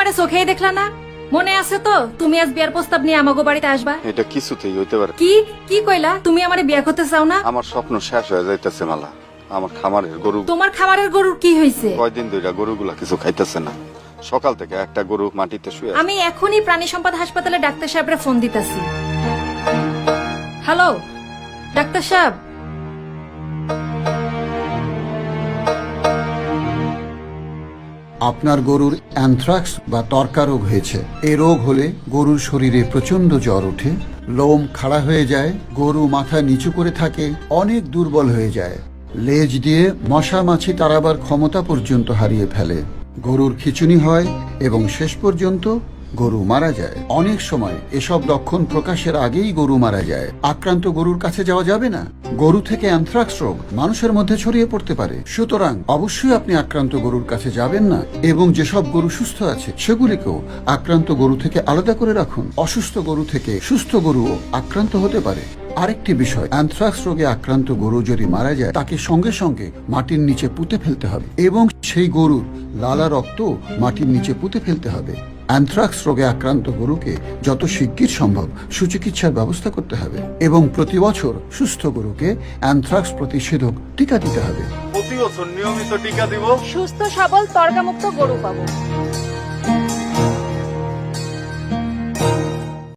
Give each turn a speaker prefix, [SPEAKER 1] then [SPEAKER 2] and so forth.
[SPEAKER 1] আমারে চোখেই দেখলা না? মনে আছে তো তুমি আজ বিয়ার প্রস্তাব নিয়ে আমাগো বাড়িতে আসবা?
[SPEAKER 2] এটা কিছুতেই হইতে পারে।
[SPEAKER 1] কি কি কইলা? তুমি আমারে বিয়া করতে চাও না?
[SPEAKER 2] আমার স্বপ্ন শেষ হয়ে যাইতেছে মালা। আমার খামারের গরু
[SPEAKER 1] তোমার খামারের গরুর কি হয়েছে?
[SPEAKER 2] কয়দিন ধরে গরুগুলা কিছু খাইতেছে না। সকাল থেকে একটা গরু মাটিতে শুয়ে আছে।
[SPEAKER 1] আমি এখনই প্রাণী সম্পদ হাসপাতালে ডাক্তার সাহেবরে ফোন দিতেছি। হ্যালো ডাক্তার সাহেব,
[SPEAKER 3] আপনার গরুর অ্যানথ্রাক্স বা তর্কা রোগ হয়েছে। এই রোগ হলে গরুর শরীরে প্রচন্ড জ্বর ওঠে, লোম খাড়া হয়ে যায়, গরু মাথা নিচু করে থাকে, অনেক দুর্বল হয়ে যায়, লেজ দিয়ে মশা মাছি তাড়াবার ক্ষমতা পর্যন্ত হারিয়ে ফেলে, গরুর খিঁচুনি হয় এবং শেষ পর্যন্ত গরু মারা যায়। অনেক সময় এসব লক্ষণ প্রকাশের আগেই গরু মারা যায়। আক্রান্ত গরুর কাছে যাওয়া যাবে না। গরু থেকে অ্যানথ্রাক্স রোগ মানুষের মধ্যে ছড়িয়ে পড়তে পারে। সুতরাং অবশ্যই আপনি আক্রান্ত গরুর কাছে যাবেন না এবং যেসব গরু সুস্থ আছে সেগুলিকেও আক্রান্ত গরু থেকে আলাদা করে রাখুন। অসুস্থ গরু থেকে সুস্থ গরুও আক্রান্ত হতে পারে। আরেকটি বিষয়, অ্যানথ্রাক্স রোগে আক্রান্ত গরু যদি মারা যায় তাকে সঙ্গে সঙ্গে মাটির নিচে পুঁতে ফেলতে হবে এবং সেই গরুর লালা রক্ত মাটির নিচে পুঁতে ফেলতে হবে। অ্যানথ্রাক্স রোগে আক্রান্ত গরুকে যত শিগগির সম্ভব সুচিকিৎসার ব্যবস্থা করতে হবে এবং প্রতি বছর সুস্থ গরুকে অ্যানথ্রাক্স প্রতিষেধক টিকা দিতে হবে।
[SPEAKER 2] প্রতি বছর নিয়মিত টিকা দিব।
[SPEAKER 1] সুস্থ সবল তর্কামুক্ত গরু পাবো।